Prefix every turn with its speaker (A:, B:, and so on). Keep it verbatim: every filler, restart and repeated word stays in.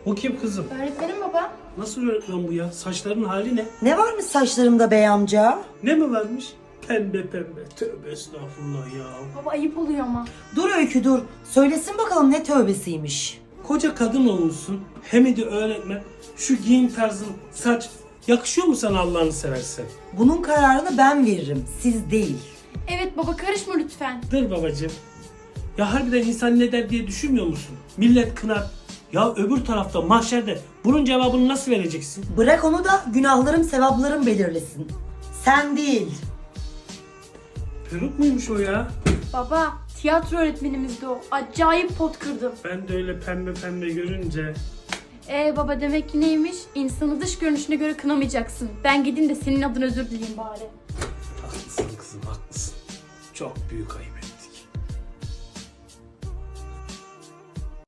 A: Bu kim kızım?
B: Öğretmenim baba.
A: Nasıl öğretmen bu ya? Saçların hali ne?
C: Ne varmış saçlarımda bey amca?
A: Ne mi varmış? Pembe pembe. Tövbe estağfurullah ya.
B: Baba ayıp oluyor ama.
C: Dur Öykü dur. Söylesin bakalım ne tövbesiymiş.
A: Koca kadın olmuşsun. Hem de öğretmen. Şu giyim tarzın, saç yakışıyor mu sana Allah'ını seversen?
C: Bunun kararını ben veririm, siz değil.
B: Evet baba karışma lütfen.
A: Dur babacığım. Ya harbiden insan ne der diye düşünmüyor musun? Millet kınar. Ya öbür tarafta mahşerde bunun cevabını nasıl vereceksin?
C: Bırak onu da günahlarım sevaplarım belirlesin. Sen değil.
A: Peruk muymuş o ya?
B: Baba tiyatro öğretmenimizdi o. Acayip pot kırdım.
A: Ben de öyle pembe pembe görünce.
B: Ee baba demek ki neymiş? İnsanı dış görünüşüne göre kınamayacaksın. Ben gideyim de senin adına özür dileyeyim bari.
A: Haklısın kızım haklısın. Çok büyük ayıp.